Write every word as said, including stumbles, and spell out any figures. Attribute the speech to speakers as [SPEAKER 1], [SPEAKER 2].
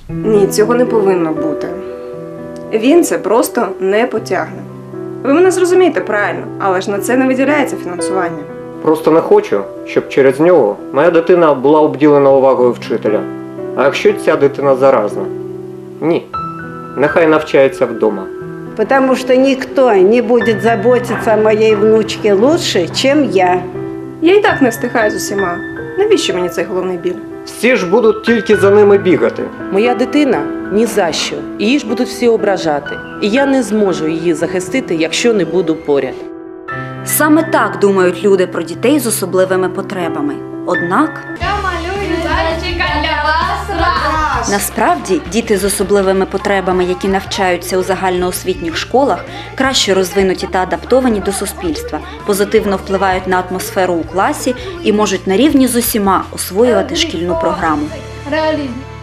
[SPEAKER 1] Ні, цього не повинно бути. Він це просто не потягне. Ви мене зрозумієте правильно, але ж на це не виділяється фінансування.
[SPEAKER 2] Просто не хочу, щоб через нього моя дитина була обділена увагою вчителя. А якщо ця дитина заразна? Ні. Нехай навчається вдома.
[SPEAKER 3] Потому что никто не будет заботиться о моей внучке лучше, чем я.
[SPEAKER 1] Я і так не встигаю з усіма. Навіщо мені цей головний біль?
[SPEAKER 2] Всі ж будуть тільки за ними бігати.
[SPEAKER 4] Моя дитина ні за що. Її ж будуть всі ображати. І я не зможу її захистити, якщо не буду поряд.
[SPEAKER 5] Саме так думають люди про дітей з особливими потребами. Однак,
[SPEAKER 6] Я малюю зайчика для вас раз.
[SPEAKER 5] насправді, діти з особливими потребами, які навчаються у загальноосвітніх школах, краще розвинуті та адаптовані до суспільства, позитивно впливають на атмосферу у класі і можуть на рівні з усіма освоювати шкільну програму.
[SPEAKER 6] Реалізм.